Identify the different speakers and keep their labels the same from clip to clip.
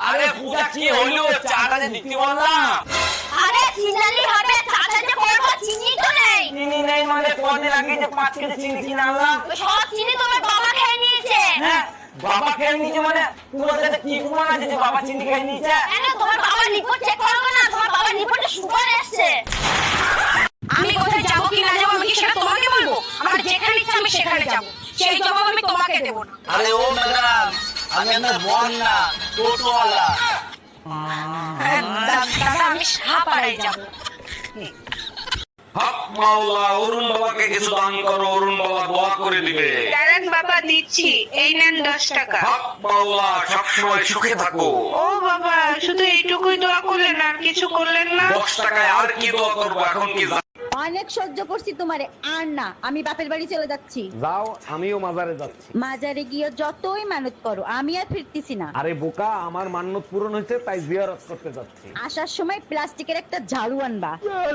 Speaker 1: আরে পূজা কি হইলো, চাটা যে দিতে বললাম।
Speaker 2: আরে চিনালি হবে, চাচা যে করব চিনি তো নেই।
Speaker 1: চিনি নেই মানে কদিন আগে যে 5 কেজি চিনি কিনে আনলাম,
Speaker 2: সব চিনি তোমার বাবা খেয়ে নিয়েছে।
Speaker 1: হ্যাঁ বাবা খেয়ে নিয়েছে মানে তোমাদের কাছে কি প্রমাণ আছে যে বাবা চিনি খেয়ে নিয়েছে?
Speaker 2: কেন তোমার বাবার রিপোর্ট চেক করবে না? তোমার বাবার রিপোর্টে সুগার এসেছে।
Speaker 3: আমি কোথায় যাবো কি না যাবো আমি কি সেটা তোমাকে বলবো? আমার যেখানে ইচ্ছা আমি সেখানে যাবো, সেই জবাব আমি তোমাকে দেবো না।
Speaker 1: আরে ও ম্যাডাম, আমি আপনার বোন না, টোটোওয়ালা।
Speaker 3: দাদা আমি সাপাড়ায় যাবো।
Speaker 4: হক মাওলা, অরুণ বাবাকে কিছু দান করো, অরুণ বাবা দোয়া করে দিবে।
Speaker 3: দাঁড়ান বাবা দিচ্ছি, এই নেন 10 টাকা।
Speaker 4: হক মাওলা, সবসময় সুখে থাকো।
Speaker 3: ও বাবা শুধু এইটুকুই দোয়া করলেন আর কিছু করলেন না?
Speaker 4: 10 টাকায় আর কি দোয়া করবো, এখন কি
Speaker 5: অনেক সহ্য করছি তোমারে, আর না, আমি বাপের বাড়ি চলে যাচ্ছি।
Speaker 6: যাও, আমিও মাজারে যাচ্ছি।
Speaker 5: মাজারে গিয়ে যতই মানত করো, আমি আর ফিরতেছি না।
Speaker 6: আরে বোকা, আমার মান্যত পূরণ হয়েছে তাই জিয়ারত করতে যাচ্ছি।
Speaker 5: আসার সময় প্লাস্টিকের একটা ঝাড়ু আনবা।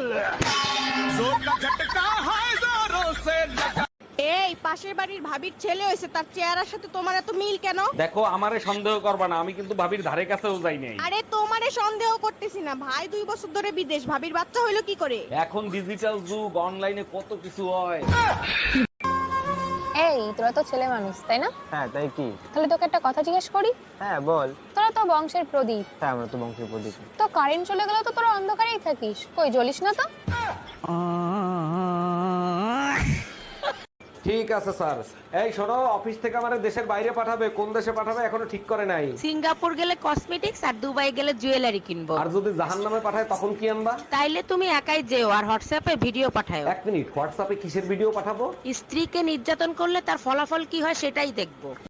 Speaker 7: এই পাশের বাড়ির ভাবির ছেলে হয়েছে, তার চেহারার সাথে তোমার এত মিল কেন?
Speaker 6: দেখো, আমারে সন্দেহ করবা না, আমি কিন্তু ভাবির ধারে কাছেও যাই নাই।
Speaker 7: আরে তোমারে সন্দেহ করতেছি না, ভাই 2 বছর ধরে বিদেশ, ভাবির বাচ্চা হইলো কি করে?
Speaker 6: এখন ডিজিটাল যুগ, অনলাইনে কত কিছু হয়।
Speaker 8: এই তোরা তো ছেলে মানুষ তাই না?
Speaker 9: হ্যাঁ তাই কি?
Speaker 8: তাহলে তোকে একটা কথা জিজ্ঞেস করি।
Speaker 9: হ্যাঁ বল।
Speaker 8: তোরা তো বংশের প্রদীপ,
Speaker 9: হ্যাঁ আমরা তো বংশের প্রদীপ।
Speaker 8: তো কারেন্ট চলে গেলে তো তোরা অন্ধকারেই থাকিস, কই জ্বলিস না তো?
Speaker 6: ঠিক আছে স্যার। এই শোনো, অফিস থেকে আমারে দেশের বাইরে পাঠাবে, কোন দেশে পাঠাবে এখনো ঠিক করে নাই।
Speaker 7: সিঙ্গাপুর গেলে কসমেটিক্স আর দুবাই গেলে জুয়েলারি কিনবো।
Speaker 6: আর যদি জাহান্নামে পাঠায় তখন কি আনবা?
Speaker 7: তাইলে তুমি একাই যেও আর হোয়াটসঅ্যাপে ভিডিও পাঠাও।
Speaker 6: 1 মিনিট, হোয়াটসঅ্যাপে কিসের ভিডিও পাঠাবো?
Speaker 7: স্ত্রীকে নির্যাতন করলে তার ফলাফল কি হয় সেটাই দেখবো।